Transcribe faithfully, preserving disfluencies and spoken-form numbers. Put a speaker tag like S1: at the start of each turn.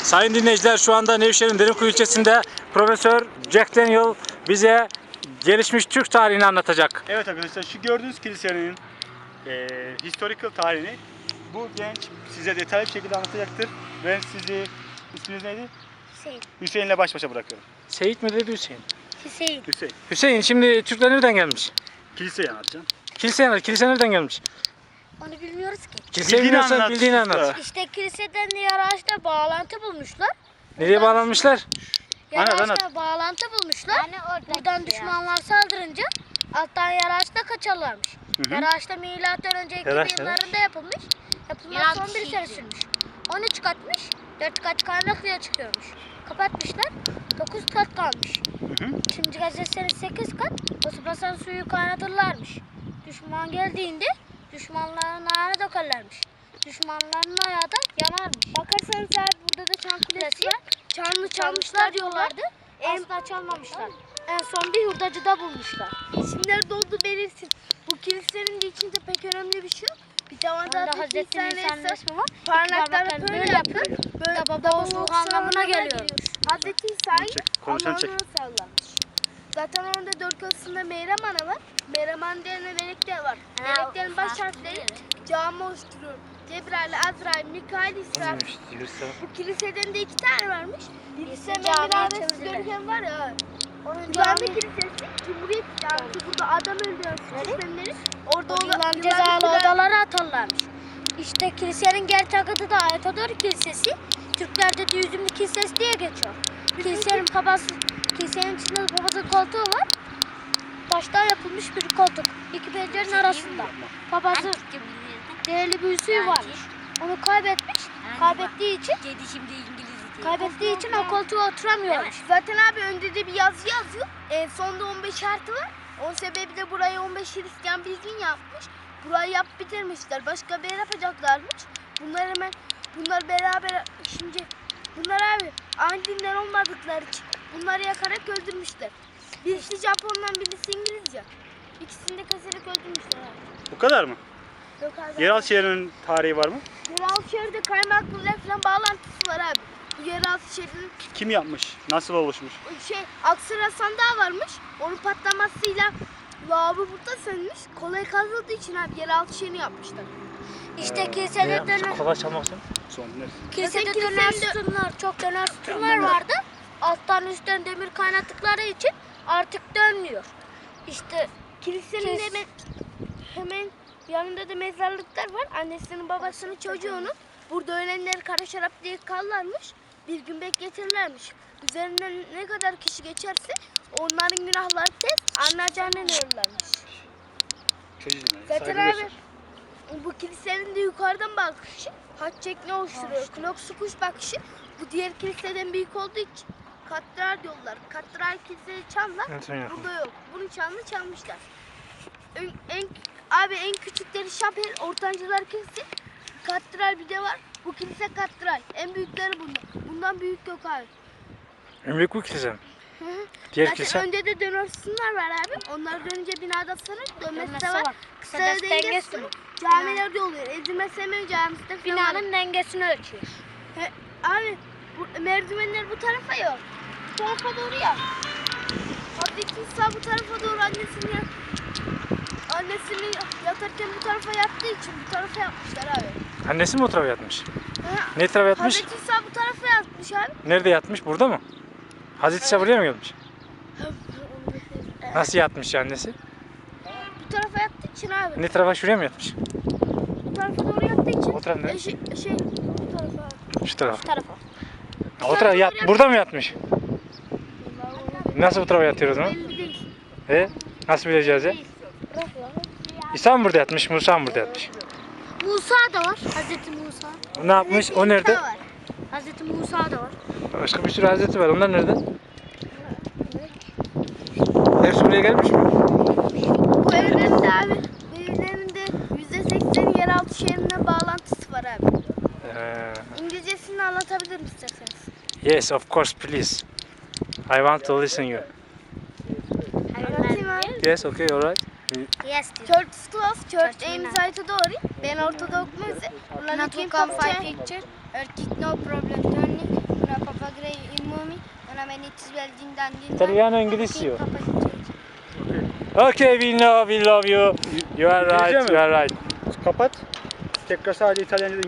S1: Sayın dinleyiciler, şu anda Nevşehir'in Derinkuyu ilçesinde Profesör Jack Daniel bize gelişmiş Türk tarihini anlatacak.
S2: Evet arkadaşlar, şu gördüğünüz kilisenin e, historical tarihini bu genç size detaylı bir şekilde anlatacaktır. Ben sizi, isminiz neydi?
S3: Hüseyin.
S2: Hüseyin'le baş başa bırakıyorum.
S1: Seyit mi dedi Hüseyin?
S3: Hüseyin.
S2: Hüseyin,
S1: Hüseyin, şimdi Türkler nereden gelmiş?
S2: kiliseyi anlatacağım.
S1: Kilise, kilise nereden gelmiş?
S3: Onu bilmiyoruz ki.
S1: Kiliseyi
S2: Bildiğini
S1: bilmiyorsan
S2: anlat.
S1: bildiğini anlat.
S3: İşte kiliseden Yaraç'ta bağlantı bulmuşlar.
S1: Nereye bağlanmışlar?
S2: Anlat,
S3: Yaraç'ta
S2: anlat.
S3: bağlantı bulmuşlar. Buradan düşmanlar saldırınca alttan Yaraç'ta kaçarlarmış.
S2: Hı hı.
S3: Yaraç'ta milattan önce iki
S1: Yaraç,
S3: yıllarında yapılmış. Yapılmak son bir sene sürmüş. on üç katmış. dört kat kaynaklıya çıkıyormuş. Kapatmışlar. dokuz kat kalmış.
S2: Hı hı.
S3: Şimdi gazetesinin sekiz kat basıpasan suyu kaynatırlarmış. Düşman geldiğinde düşmanların ayağına dökerlermiş. Düşmanların ayağı da yanarmış. Bakarsanız abi burada da çan kulesi var. Çanlı çalmışlar diyorlardı. Asla çalmamışlar. En son bir hurdacıda bulmuşlar.
S4: İsimleri doldu belirsin. Bu kilisenin de içinde pek önemli bir şey yok. Bir tavanda
S3: Onda
S4: da
S3: Hazreti Nisa'nın resmi var.
S4: parmaklarını böyle yapıyor.
S3: Böyle baba olmak anlamına geliyor.
S4: Hazreti İsa'yı
S2: Çek, konuşan çek.
S4: Allah'ına sallamış. Zaten orada dört kasında Meryem Ana var. Meryem Ana denen melekler var. Meleklerin baş harfleri cami oluşturuyor. Cebrail, Azrail, Mikail, İsrail. Bu kiliseden de iki tane varmış. Birisi hemen
S3: camiye
S4: minaresiz
S3: çevirdiler.
S4: görünken var ya.
S3: Onun
S4: Cami kilisesi, Cumhuriyet Camisi. Burada adam öldüren sistemleri. Orada
S3: O
S4: olan
S3: yılan cezalı odalara atarlarmış. İşte kilisenin gerçek adı da Ayatodor Kilisesi. Türklerde de Yüzümlü Kilisesi diye geçiyor. Kilisenin babası, kilisenin içinde de babası koltuğu var. Baştan yapılmış bir koltuk. İki pencerenin arasında. Babası değerli bir yüzüğü varmış. Onu kaybetmiş. Kaybettiği için kaybettiği için o koltuğa oturamıyormuş.
S4: Zaten abi önde de bir yazı yazıyor. En sonda on beş artı var. Onun sebebi de burayı on beş Hristiyan bilgin yapmış. Burayı yap bitirmişler. Başka bir yer yapacaklarmış. Bunlar hemen bunlar beraber şimdi bunlar abi aynı dinden olmadıkları için bunları yakarak öldürmüşler. Birisi Japon'dan birisi İngilizce. İkisini de keserek öldürmüşler abi.
S2: Bu kadar mı?
S4: Yok abi.
S2: Yeraltı şehrinin tarihi var mı?
S4: Yeraltı şehirde kaymaklıyla falan bağlantısı var abi. Bu yeraltı şehrinin
S2: Kim yapmış? Nasıl oluşmuş?
S4: şey Aksara sandığı varmış. Onun patlamasıyla lavabo burada sönmüş. Kolay kazıldığı için abi yeraltı şehrini yapmışlar.
S3: İşte kilisede döner,
S1: Kolay çalmak için.
S2: Son dinleriz.
S3: kilisede
S4: Zaten
S3: döner
S4: kilisede-
S3: sütunlar, çok döner sütunlar vardı. Alttan üstten demir kaynattıkları için artık dönmüyor. İşte
S4: Kilisenin
S3: Kes-
S4: hemen hemen yanında da mezarlıklar var. Annesinin babasının çocuğunun burada ölenler kara şarap diye kallarmış. Bir gün bekletirlermiş. Üzerinden ne kadar kişi geçerse onların günahları tez anlayacağından ölürlermiş.
S2: Çocuğum.
S4: Zaten abi bu kilisenin de yukarıdan bakışı haç şeklini oluşturuyor. Knoksu kuş bakışı bu diğer kiliseden büyük olduğu için katedral diyorlar. Katedral kiliseyi çanlar.
S1: Evet, öyle.
S4: Burada yok. Bunu çanlı çalmışlar. En, en, abi en küçükleri şapel, ortancılar kilise. Katedral bir de var. Bu kilise katedral. En büyükleri bundan. Bundan büyük yok abi.
S1: En büyük bu kilise mi?
S4: Hı hı.
S1: Diğer
S4: Zaten
S1: kilise.
S4: önde de döner sütunlar var abi. Onlar dönünce binada sanır. Dönmesi de var. Kısa
S3: Kısa
S4: denge
S3: denge
S4: sütunu.
S3: sütunu.
S4: Camilerde oluyor. Ezilme Semen Camisi de falan var.
S3: binanın dengesini ölçüyor.
S4: He, abi bu, merdivenler bu tarafa yok. Bu tarafa doğru ya. Hazreti İsa bu tarafa doğru annesini yat. Annesini yatarken bu tarafa yattığı için bu tarafa yapmışlar abi.
S1: Annesi mi o tarafa yatmış?
S4: He,
S1: Ne tarafa yatmış?
S4: Hazreti İsa bu tarafa yatmış abi.
S1: Nerede yatmış? Burada mı? Hazreti İsa buraya mı gelmiş? Nasıl yatmış annesi?
S4: Bu tarafa yattığı için abi.
S1: Ne tarafa, şuraya mı yatmış?
S4: Bu tarafa doğru yattığı için.
S1: O taraf ne?
S4: E, şey, şey bu tarafa abi.
S1: Şu tarafa.
S3: Tarafa.
S1: Ha, o tarafa yat. Burada mı yatmış? Nasıl bu tarafa yatıyor o zaman?
S4: Belli değil.
S1: E? Nasıl bileceğiz ya?
S4: Bırak lan.
S1: İsa mı burada yatmış, Musa mı burada yatmış?
S3: Musa da var. Hazreti Musa.
S1: Ne yapmış? O nerede?
S4: İsa var.
S3: Hazreti Musa da var.
S1: Başka bir sürü hazreti var. Onlar nerede? Hepsi buraya gelmiş mi?
S4: Bu evlerin de abi, bu evlerin de yüzde sekseni yeraltı şehrine bağlantısı var abi.
S1: Ee,
S4: İngilizcesini anlatabilirim isterseniz.
S1: yes, of course, please. I want to listen you.
S4: Anlatayım abi.
S1: Yes, okay, alright.
S3: Yes diyor.
S4: Church is close, church
S3: Church
S4: aims
S3: is
S4: Aytodori. Ben Ortodok müze.
S3: Not to come five picture. Earth no problem turning.
S4: It's well done.
S1: Italiano İngilizce. Okay, we know, we love you. You are right,
S2: İngilizce mi?
S1: you are right.
S2: Kapat. Tekrar sadece İtalyanca